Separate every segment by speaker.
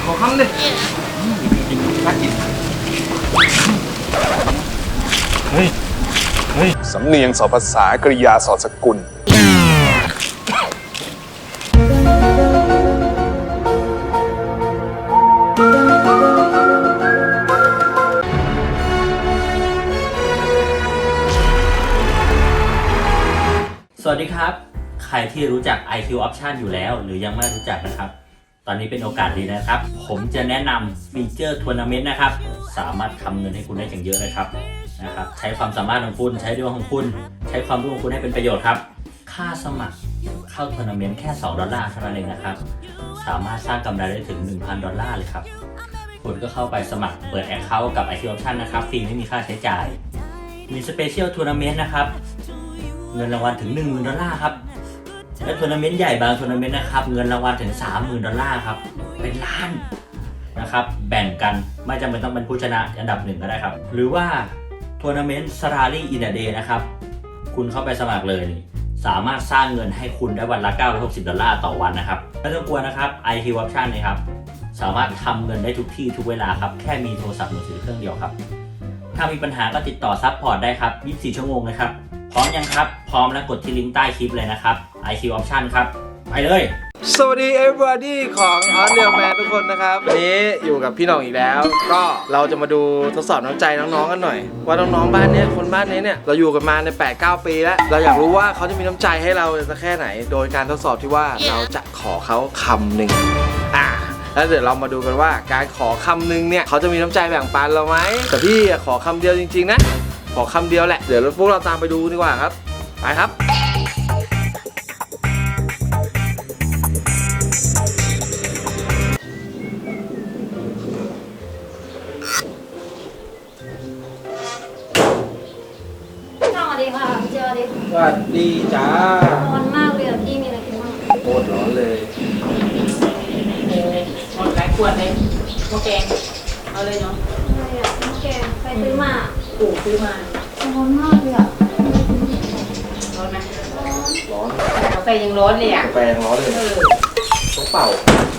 Speaker 1: ขอคำดิน่ากินเฮ้ย
Speaker 2: สำเนียงสอภาษากริยาสอสกุล
Speaker 3: สวัสดีครับใครที่รู้จัก IQ Option อยู่แล้วหรือยังไม่รู้จักนะครับตอนนี้เป็นโอกาสดีนะครับผมจะแนะนำฟีเจอร์ทัวร์นาเมนต์นะครับสามารถทำเงินให้คุณได้อย่างเยอะเลยครับใช้ความสามารถของคุณใช้ดวงของคุณใช้ความรู้ของคุณให้เป็นประโยชน์ครับค่าสมัครเข้าทัวร์นาเมนต์แค่$2เท่านั้นเองนะครับสามารถสร้างกำไรได้ถึง$1,000เลยครับคุณก็เข้าไปสมัครเปิด Account กับ IQ Option นะครับฟรีไม่มีค่าใช้จ่ายมีสเปเชียลทัวร์นาเมนต์นะครับเงินรางวัลถึง$10,000ครับและทัวร์นาเมนต์ใหญ่บางทัวร์นาเมนต์นะครับเงินรางวัลถึง$30,000ครับเป็นล้านนะครับแบ่งกันไม่จำเป็นต้องเป็นผู้ชนะอันดับ1ก็ได้ครับหรือว่าทัวร์นาเมนต์ Salary in a Day นะครับคุณเข้าไปสมัครเลยสามารถสร้างเงินให้คุณได้วันละ$960ต่อวันนะครับไม่ต้องกลัวนะครับ IQ Option นะครับสามารถทำเงินได้ทุกที่ทุกเวลาครับแค่มีโทรศัพท์มือถือเครื่องเดียวครับถ้ามีปัญหาก็ติดต่อซัพพอร์ตได้ครับ24 ชั่วโมงเลยครับพร้อมยังครับพร้อมแล้วกดที่ลิงก์ใต้คลิปเลยนะครับ IQ Option ครับไปเลย
Speaker 1: สวัสดี everybody ของออนเรียลแมนทุกคนนะครับวันนี้อยู่กับพี่น้องอีกแล้วก็เราจะมาดูทดสอบน้ำใจน้องๆกันหน่อยว่าน้องๆบ้านนี้คนบ้านนี้เนี่ยเราอยู่กันมาใน 8-9 ปีแล้วเราอยากรู้ว่าเขาจะมีน้ำใจให้เราสักแค่ไหนโดยการทดสอบที่ว่าเราจะขอเขาคำหนึ่งแล้วเดี๋ยวเรามาดูกันว่าการขอคำหนึ่งเนี่ยเขาจะมีน้ำใจแบ่งปันเราไหมแต่พี่ขอคำเดียวจริงๆนะขอคำเดียวแหละเดี๋ยวพวกเราตามไปดูดีกว่าครับไปครับ
Speaker 4: สวัสดีค่ะพี่เจอดี
Speaker 1: สวัสดีจ้า
Speaker 4: ร้อนมากเลยพี่มีอะไรกินบ้าง
Speaker 1: โคตรร้อนเลย
Speaker 5: หมดหลายขวดเลยหม้อแกงเอาเลยเนาะ
Speaker 4: อะไรอ่ะน้ำแกงไปซื้อมา
Speaker 5: ปู่ซื้อมา
Speaker 4: ร้อนมากเลยอ่ะ
Speaker 5: ร้อนไหม
Speaker 1: ร้อน
Speaker 5: กาแฟยังร้อนเลยอ่ะ
Speaker 1: กาแฟยังร้อนเลยต้องเป่า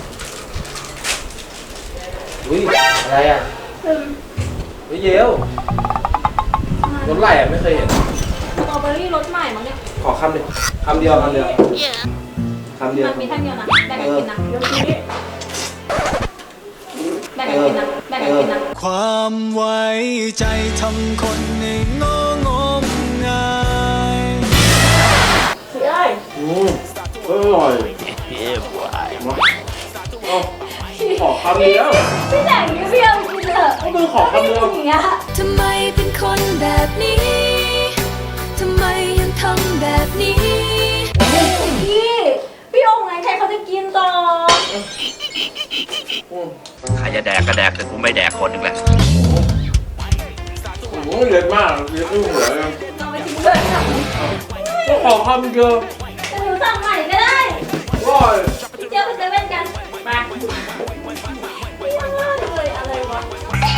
Speaker 1: อุ้ยอะไรอ่ะอุ้ยเยวรถไหลอ่ะไม่เคยเห็น
Speaker 4: สตรอเบอรี่รสใหม่มั้งเนี่ย
Speaker 1: ขอคำหนึ่งคำเดียว
Speaker 4: มันมีท่านเดียวนะแบ่งกันกินนะ
Speaker 5: เดี๋ยวนี้
Speaker 4: แบ่งกันกินนะแบ่งกันกินนะ
Speaker 6: ความไว้ใจทำคนให้งมงาย
Speaker 4: สิเอ้ย
Speaker 1: อร่อยขอคำเดียว
Speaker 4: พี่แบ่งพี่เพียวกินเถอะ
Speaker 1: ก็คือขอคำเดียว
Speaker 4: อย่างเงี้ย
Speaker 6: ทำไมเป็นคนแบบนี้ทำไมยังทำแบบนี้
Speaker 4: พี่องค์ไหนใครเขาจะกินต่อ
Speaker 3: ใครจะแดกก็แดกแต่กูไม่แดกคนหนึ่งแหละ
Speaker 1: โอ้ยเยอะมากเยอะที่หัวเลย
Speaker 4: เราไปทิ้งเลยค่ะ
Speaker 1: ก็ขอคำเดียว
Speaker 4: จะหนูสั่งใหม่ก็ได้
Speaker 1: ว้าย
Speaker 4: พี่เจ้าไปเซเว่นกันไปเลยอะไรวะ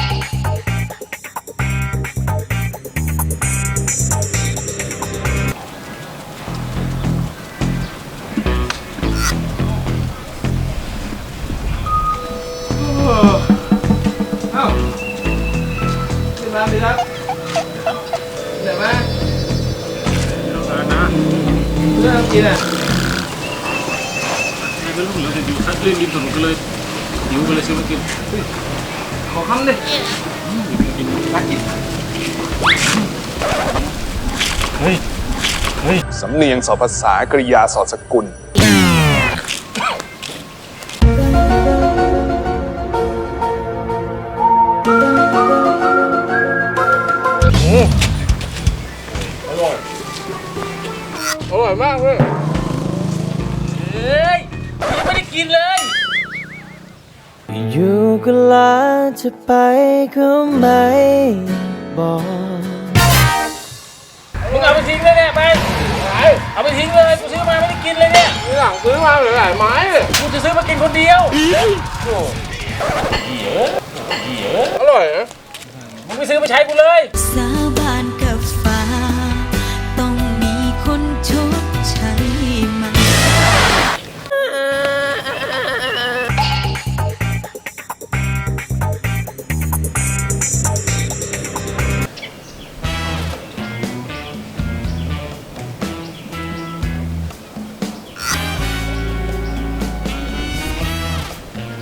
Speaker 1: ขึ้นมาดีครับเดี๋ยวมาเรื่องกินอ่ะ
Speaker 7: ไม่รู้เหลือแต่อยู่คัดเล่นริมถนนก็เลยหิวก็เลยซื้อมากิน
Speaker 1: ขอคำดิน่ากิน
Speaker 2: สำเนียงสอภาษากริยาสอสกุล
Speaker 1: อร่อยมากเลย
Speaker 5: เฮ้ยยังไม่ได้กินเลย
Speaker 6: อยู่ก็ลาจะไปก็ไม่บอก
Speaker 5: มึงเอาไปทิ้งเลยเนี่ยไปเอาไปทิ้งเลยกูซื้อมาไม่ได้กินเลยเนี่ย
Speaker 1: หลังซื้อมาหลายไม้เลย
Speaker 5: กูจะซื้อมากินคนเดียว
Speaker 1: อร่อยนะ
Speaker 5: มึงไปซื้อมาใช้กูเลย
Speaker 6: สาบานกับฟ้าต้องมีคนชดใช้มัน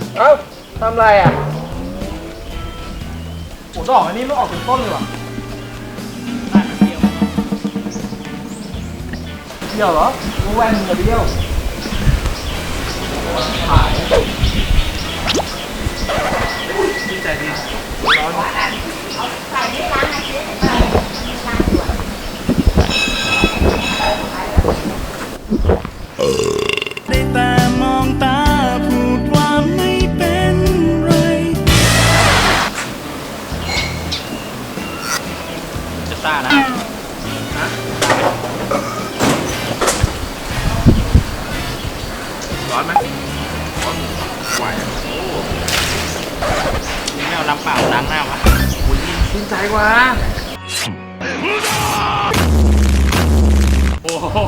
Speaker 1: เอ้าทำไรอ่ะโอ้ดอกอันนี้ไม่ออกเป็นต้นเลยว่ะเดี่ยวเหรอกูแว่นมึงอย่าเดี่ยวถ่ายดีใจดีร้อน
Speaker 6: ได้แต่มองตาพูดว่าไม่เป็นไร
Speaker 5: จะซ่านะร้อนไหมร้อนไหวนี่ไม่เอาน้ำเปล่าล้างหน้าวะ
Speaker 1: ชื่นใจกว่า
Speaker 5: โอ้โห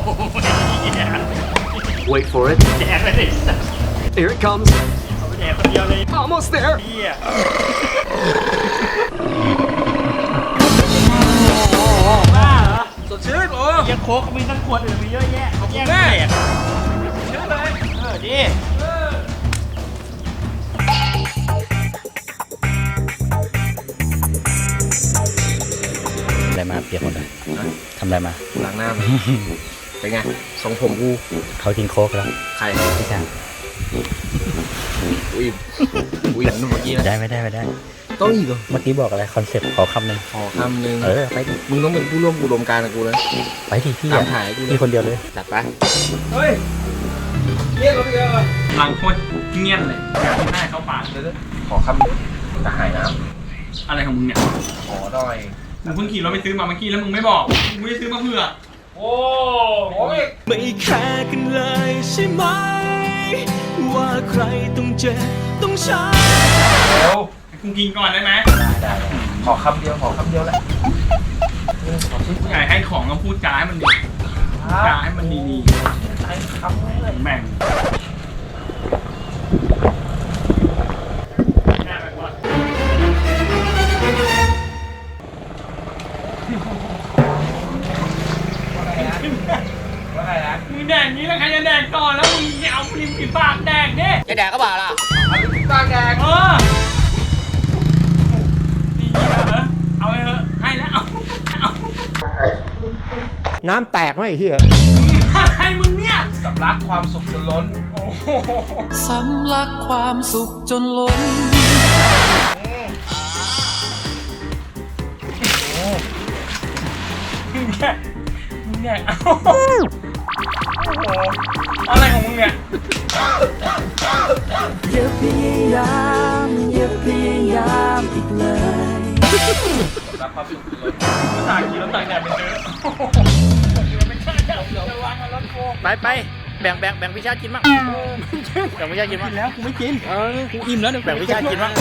Speaker 6: Wait for it
Speaker 5: แดกเลยดิ
Speaker 6: Here it comes
Speaker 5: เอาไปแดกคนเดียวเลย
Speaker 6: Almost there
Speaker 5: เฮีย บ้าเหรอ
Speaker 1: สดชื่นโอ้
Speaker 5: ยังโค้กมีทั้งขวดอื่นมีเยอะแยะขอบคุณแม่เชื่อเลยดี
Speaker 3: อะไรมาเปียกหมดเลยทำอะไรมา
Speaker 1: ล้างหน้ามาเป็นไงทรงผมกู
Speaker 3: เขากินโค้กแล้ว
Speaker 1: ใคร
Speaker 3: พี่ช่าง
Speaker 1: อุ้ยอุ้ยนุ่มเมื่อกี้นะ
Speaker 3: ไม่ได้
Speaker 1: ต้องอีกเหรอ
Speaker 3: เมื่อกี้บอกอะไรคอนเซ็ปต์ขอคำหนึ่ง
Speaker 1: ขอคำหนึ่ง
Speaker 3: ไปดิ
Speaker 1: มึงต้องเป็นผู้ร่วมอุดมการณ์กับกูนะ
Speaker 3: ไปดิพี่
Speaker 1: ตาม
Speaker 3: อะ
Speaker 1: ถ่ายให้กูเลย
Speaker 3: พี่คนเดียวเลย
Speaker 1: จัดไปเฮ้ยเรียกเราไปเยอะเลย
Speaker 5: หลังโคตรเงียบเลยอยากที่หน้าเข้าปาก
Speaker 1: เดี๋ยวขอคำหนึ่งกระหายน้
Speaker 5: อะไรของมึงเนี่ย
Speaker 1: ำขอหน่อย
Speaker 5: มึงเพิ่งขี่รถไปซื้อมาเมื่อกี้แล้วมึงไม่บอกมึงไม่ได้ซื้อมาเผื่อโอ้โห
Speaker 6: ไม่แคร์กันเลยใช่ไหม ว่าใครต้องเจ็บต้องช้ำ
Speaker 1: เร็ว
Speaker 5: กูกินก่อนได้ไหม
Speaker 1: ได้ขอคำเดียวแหละขอชิ้น
Speaker 5: ผู้ใหญ่ให้ของก็พูดจาให้มันดีพูดจาให้มันดี
Speaker 1: ใช้คำเลย
Speaker 5: ๆแม่ง
Speaker 1: ว่าไงนะ
Speaker 5: มึงแดกนี้แล้วใครจะแดกก่อนแล้วมึงเอาริมฝีปากแดกดิ
Speaker 1: จะแดกก็บ่าล่ะเอาไปปากแดก
Speaker 5: เออดีเหรอเอาไปเถอะให้แล้วเอา
Speaker 8: น้ำแตกไหมไอ้เหี้ย
Speaker 5: ให้มึงเนี่ย
Speaker 1: สำลักความสุขจนล้น
Speaker 5: โอ้โห
Speaker 6: สำลักความสุขจนล้น
Speaker 5: มึงแดกเอาโอ้โหอะไรของมึงเนี่ย
Speaker 6: อย่าพยายามอย่าพยายามอีกเลย
Speaker 1: สำลักความสุขจนล้น
Speaker 5: ภาษาขี่รถต่างแดดไปซื้อไม่ใช่จะวางรถโก
Speaker 3: ไปแบ่งวิชากินมั้งแบ่งวิชากินมั้ง
Speaker 5: แล้วกูไม่กินกูอิ่มแล้วเนี่ย
Speaker 3: แบ่งวิชากินมั้ง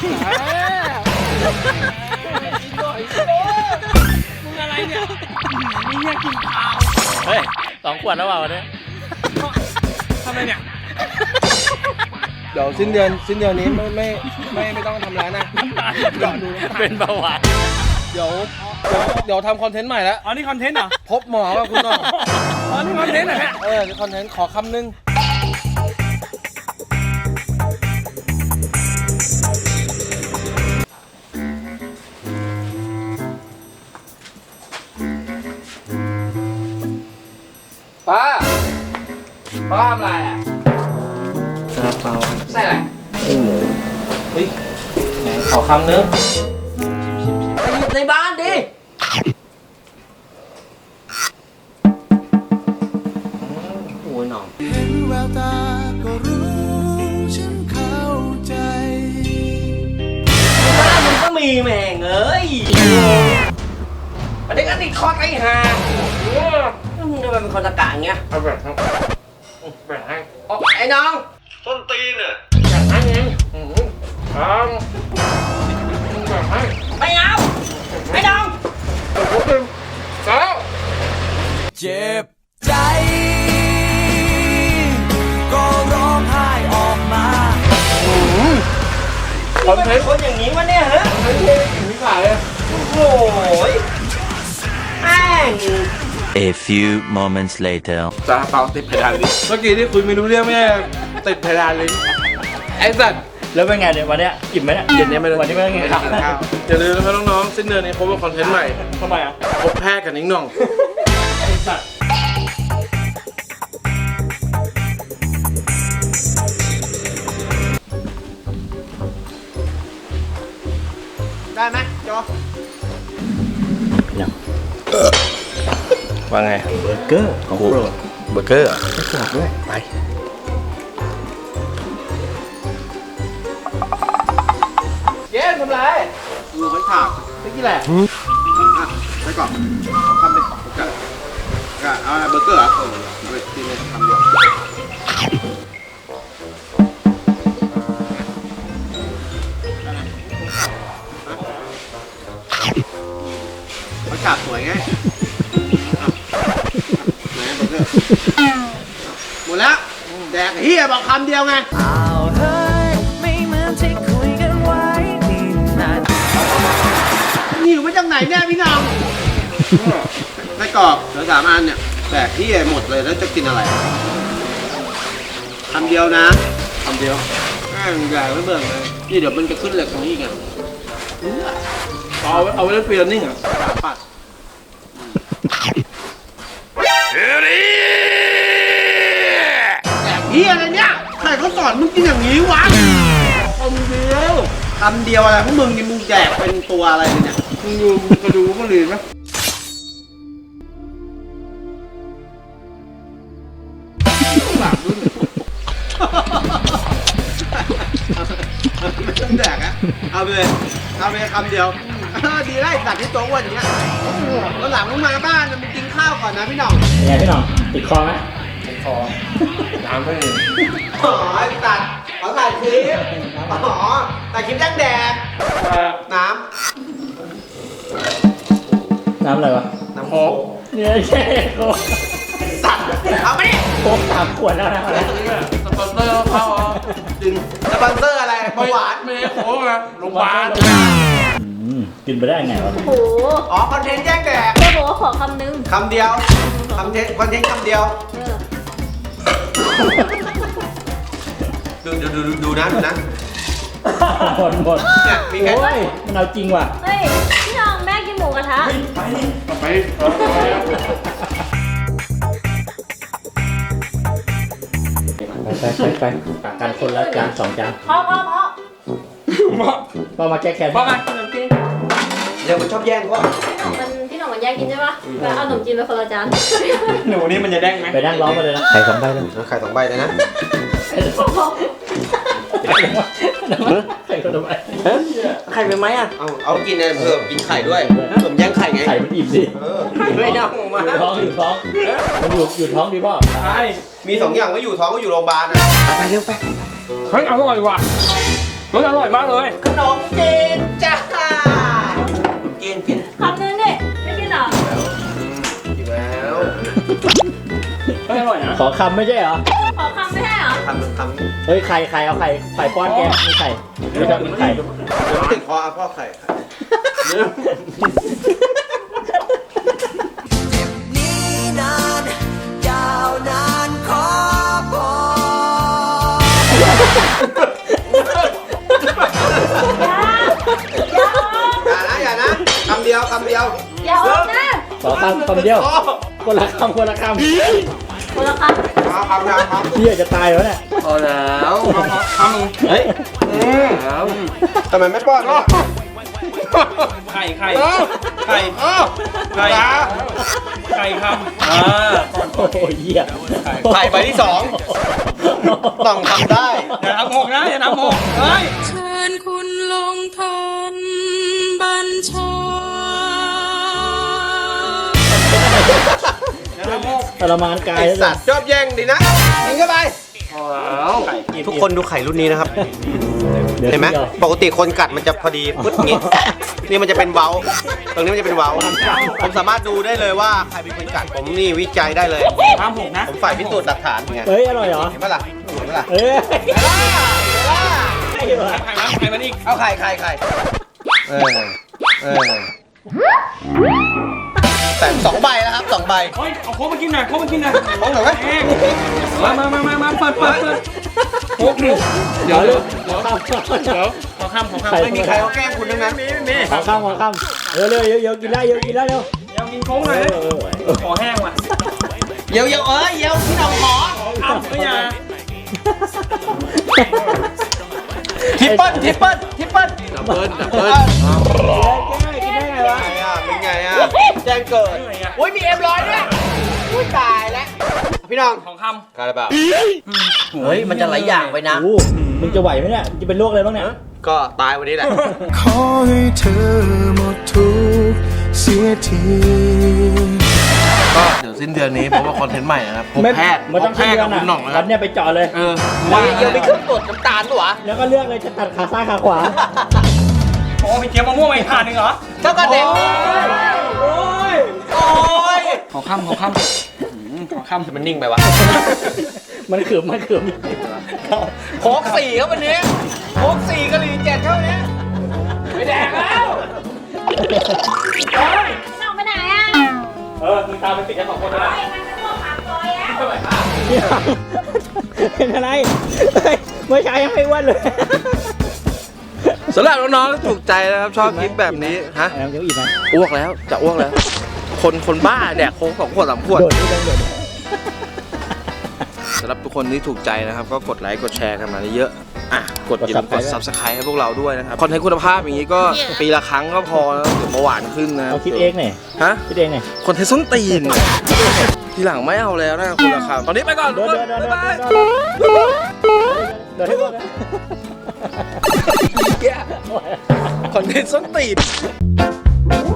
Speaker 5: มึงอะไรเนี่ยมึงอยากกินข้าว
Speaker 3: เฮ้ย2 ขวดแล้วเปล่าวันนี้
Speaker 5: ทำไมเนี่ย
Speaker 1: เดี๋ยวสิ้นเดือนนี้ไม่ต้องทำร้านนะ
Speaker 3: เป็นเบาหวาน
Speaker 1: เดี๋ยวทำคอนเทนต์ใหม่แล้ว
Speaker 5: อ๋อนี่คอนเทนต์เหรอ
Speaker 1: พบหมอกับคุณหน่อย
Speaker 5: อ๋อนี่คอนเทนต์เหรอเนี่ย
Speaker 1: นี่คอนเทนต์ขอคำหนึ่งป้าทำอะไรอ่ะซาลาเปาใส่อะไรเฮ้ยไหนขอคำนึงไปหยิบในบ้านดิโอ้ยหนอม
Speaker 6: เห็นแววตาก็รู้ฉันเข้าใจ
Speaker 1: บ้านมึงก็มีแม่งเอ้ยประเด็นก็ติดคอไอ้ห่ามึงทำไมเป็นคนตะกะอย่างเงี้ยเอาแบบแบบให้ไอ้น้องต้นตีนอ่ะแบบให้ไงแบบให้ไม่เอาไอ้น้องแล้ว
Speaker 6: เจ็บใจ ก็ร้องไห้ออกมา
Speaker 1: คอนเทนต์คนอย่างนี้วะเนี่ยฮะคอนเทนต์อย่างนี้ขายเลยโอ้ยแม่ง
Speaker 9: A few moments later.
Speaker 1: ซาลาเปาติดเพดานลิ้นเมื่อกี้ที่คุยไม่รู้เรื่องไม่ใช่ติดเพดานลิ้นไอ้สัตว์
Speaker 3: แล้วเป็นไงเนี่ยวันเนี้ยอิ่มไหมเนี่ย
Speaker 1: เย็นนี้ไม่ได้
Speaker 3: วันนี้ไม่ได้กินข้าว
Speaker 1: อย่าลืมนะครับน้องๆสิ้นเดือนนี้พบกับคอนเทนต์ใหม่
Speaker 3: ทำไมอ่ะ
Speaker 1: พบแพทย์กับนิ้งหน่อง ได้ไหมจอว่าไง
Speaker 3: เบอร์เกอร์ของโปรด
Speaker 1: เบอร์เกอร์กรอบด้วยไปเย้ทำไรดูเขาถามไม่กี่แหละไปก่อนทำไปกันเอาเบอร์เกอร์เหรอเอาไปกินเลยทำเดียวเขาจับสวยไงหมดแล้วแดกเฮียบอกคำเดียวไงนี่อยู่มาจากไหนเนี่ยพี่น้องไส้กรอกเหลือ3 อันเนี่ยแดกเฮียหมดเลยแล้วจะกินอะไรคำเดียวนะคำเดียวใหญ่ไม่เบิ่งเลยนี่เดี๋ยวมันจะขึ้นเหล็กตรงนี้ไงเอาไว้เล่นฟรีแลนซ์นิ่งอ่ะปัดเฮียอะไรเนี่ยใครเขาสอนมึงกินอย่างนี้วะคำเดียวอะไรพวกมึงนี่มึงแจกเป็นตัวอะไรเนี่ยมึงดูมึงกระดูก็เรียนไหมหลังรุ่นไม่ต้องแดกอะเอาไปเลยคำเดียวดีไล่สัตว์ที่โต๊ะวันอย่างเงี้ยแล้วหลังมึงมาบ้านมึงกินข้าวก่อนนะพี่หน่อง
Speaker 3: เป็นไงพี่หน้องติดคอไหม
Speaker 1: น้ำไม่มี
Speaker 10: อ๋อตัดขอถ่ายคลิปอ๋อถ่ายคลิปแดงแดงน้
Speaker 3: น้ำอะไรวะ
Speaker 10: ำน้ำโค้ก
Speaker 3: เนี่ยแค่โค้ก
Speaker 10: สัตว์เอาไปดิ
Speaker 3: โค้ก3 ขวดแล้วนะ
Speaker 1: สปอนเซอร์เข้าจริง
Speaker 10: สปอนเซอร์อะไรเบาหวาน
Speaker 1: ไม่ใช่โค้กนะโรงพยาบาล
Speaker 3: กินไปได้ไงวะ
Speaker 4: โอ้โห
Speaker 10: อ๋อคอนเทนต์แจ้งแดก
Speaker 4: แค่บอกว่าขอคำนึง
Speaker 10: คำเดียวคอนเทนต์คำเดียว
Speaker 4: เออ
Speaker 10: ดูนะ
Speaker 3: หมด
Speaker 10: เนี่ยมีแค่
Speaker 3: โอ้ยมันเอาจริงว่ะ
Speaker 4: เฮ้ย พี่น้องแม่กินหมูกระทะ
Speaker 1: ไป
Speaker 3: ไปตักกันคนละจาน2 จาน
Speaker 4: พ่อ
Speaker 3: ก็มาแก้แค้น
Speaker 1: พ่อไง
Speaker 4: ขนมจีน
Speaker 10: เดี๋ยวมันชอบแย่งก็
Speaker 4: พี่หน่องมันแยกกินใช่ปะแล้วเอาขนมจีนไปคนละจาน
Speaker 1: หนูนี่มันจะแดงไหม
Speaker 3: ไปนั่งร้องมาเลยนะไข่2 ใบเลย
Speaker 10: ไข่2 ใบเลยนะ
Speaker 3: ไข่คนละใบ
Speaker 10: ไข่เป็นไหมอ่ะเอากินเนี่ยเพิ่มกินไข่ด้วยผมแย่งไข่ไง
Speaker 3: ไข่มันอิ่มดิ
Speaker 10: ไม่เอามา
Speaker 3: อยู่ท้องมันอยู่ท้องดีป่ะ
Speaker 1: ใช่
Speaker 10: มี2 อย่างก็อยู่ท้องก็อยู่โรงพยาบาลนะไปเร็วไป
Speaker 5: เฮ้ยอร่อยว่ะเฮ้ยอร่อยมากเลย
Speaker 10: ขนมจีนจ้ากิน
Speaker 4: คำนึงดิไม่กินเหรอ
Speaker 10: กินแล้ว
Speaker 5: เฮ้ยอร่อยนะ
Speaker 3: ขอคำไม่ใช่เหรอ
Speaker 4: ขอคำไม่ได้เหรอ
Speaker 10: ทำ
Speaker 3: เฮ้ยไข่เอาไข่ป้อนแกมีไข่ไม่ชอบกินไข่
Speaker 10: เดี๋ยวติดคอพ่อไข่ อย่านะคำเดียว
Speaker 4: อย่าออกนะ
Speaker 3: ขอคำเดียวคนละคำ
Speaker 4: คนละค
Speaker 10: ครับ
Speaker 3: เฮียจะตายวะเนี่ย
Speaker 1: พอแล้วทำ
Speaker 3: เฮ้ย
Speaker 10: ทำไมไม่ป้อนล่ะ
Speaker 5: ไข่ไข่ไข่คำ
Speaker 3: โอ้โหเฮีย
Speaker 10: ไข่ใบที่2ต้องทำได้
Speaker 5: อย่าทำหกนะอย่าทำหกเฮ้ย
Speaker 6: เชิญคุณลงทันบัญชา
Speaker 3: ทรมานกาย
Speaker 10: ไอสัตว์ชอบแย่งดีนะกินเข้าไป
Speaker 1: พอแล้ว
Speaker 10: ทุกคนดูไข่รุ่นนี้นะครับ เห็นไหมปกติคนกัดมันจะพอดีปึ๊ดงี้ นี่มันจะเป็นเว้า ตรงนี้มันจะเป็นเว้า ผมสามารถดูได้เลยว่าใครเป็นคนกัด ผมนี่วิจัยได้เลย
Speaker 5: ทำหกนะ
Speaker 10: ผมฝ่ายพิสูจน์หลักฐานไง
Speaker 3: เฮ้ยอร่อยเหรอ
Speaker 10: เห็นปะล่ะเห็นปะล่ะ
Speaker 3: เอ้ย
Speaker 5: ไข่มันอีก
Speaker 10: เอาไข่เออแต่2 ใบแล้วครับ2 ใบ
Speaker 5: เฮ้ยเอาโค้กมากินหน่อยโค้กมากินหน่อย
Speaker 10: มองหน่อยไหม
Speaker 5: มาเปิดโค้กดูเดี๋ยวขอข้าม
Speaker 10: ไม่มีใครเขาแกล้งคุณทั้งนั้น
Speaker 8: ขอข้ามเร็วเยอะกินได้เยอะกินได้เร็ว
Speaker 5: เดี๋ยวกินโค้กหน่อยขอแห้งว่ะ
Speaker 10: เดี๋ยวพี่น้องขอ
Speaker 5: อ้าวไม่อยา
Speaker 10: ทิปเปิ้ล
Speaker 1: ดับเบิ้ล
Speaker 8: กินได้ไงวะ
Speaker 10: เป็นไงอ่ะแจ้งเกิดอุ้ยมีM100ด้วยอุ้ยตายแล้วพี่น้อง
Speaker 5: ของคำ
Speaker 10: กล้าหรือเปล่าเฮ้ยมันจะหลายอย่างไปนะ
Speaker 8: มึงจะไหวไหมเนี่ยจะเป็นโรคอะไรบ้างเนี่ย
Speaker 10: ก็ตายวันนี้แหละ
Speaker 6: ขอให้เธอหมดทุกข์เสียที
Speaker 1: ก็เดี๋ยวสิ้นเดือนนี้ผมว่าคอนเทนต์ใหม่นะครับพบแพทย์
Speaker 8: มันต้อง
Speaker 1: แพทย์กับคุณหน่องนะค
Speaker 8: รั
Speaker 1: รั
Speaker 8: บบ เนี่ยไปเจาะเลย
Speaker 1: ว่า
Speaker 10: เดี๋ยวมีเครื่องตรวจน้ำตาลด้วยวะ
Speaker 8: แล้วก็เลือกเลยจะตัดขาซ้ายขาขวา
Speaker 5: โอ้มีเกี๊ยวมะม่วงมาอีกผ่านหนึ่งเหรอ
Speaker 10: เจ้ากระเด็น
Speaker 8: โอ้ย
Speaker 10: โอ้ย
Speaker 5: ขอข้าม
Speaker 10: มันนิ่งไปวะ
Speaker 8: มันขืม
Speaker 10: โค้ก4ครับวันนี้โค้ก4กะหรี่7ครับวันนี้ไม่แดกแล้ว
Speaker 4: น้องไปไหนอ่ะ
Speaker 5: มึงตามไปปิดกัน2 คนนะ
Speaker 4: ไปมันจะพวกปากซอยแล้ว
Speaker 8: เป็นอะไรเมื่อเช้ายังไม่อ้วนเลย
Speaker 1: สำหรับน้องๆที่ถูกใจนะครับชอบคลิปแบบนี้ฮะ
Speaker 8: ยังอีกไหม
Speaker 1: อ้วกแล้วจะอ้วกแล้ว คนบ้าแดกโค้ก2 ขวด 3 ขวด
Speaker 8: โดดนี่ต้องโดด
Speaker 1: สำหรับทุกคนที่ถูกใจนะครับก็กดไลค์กดแชร์กันมาเยอะอ่ะกดอย่าลืมกด Subscribe ให้พวกเราด้วยนะครับคอนเทนต์คุณภาพอย่างนี้ก็ปีละครั้งก็พอแล้วเดี๋ยวเบาหวานขึ้นนะ
Speaker 8: เอาคิดเองหน่อย
Speaker 1: ฮะ
Speaker 8: คิดเองหน่อย
Speaker 1: คอนเทนต์ส้นตีนทีหลังไม่เอาแล้วนะคุณละครับตอนนี้ไปก่อน
Speaker 8: โดด
Speaker 1: บ๊ายบาย
Speaker 8: โดดให้หมดนะ
Speaker 1: คอนเทนต์ส้นตีน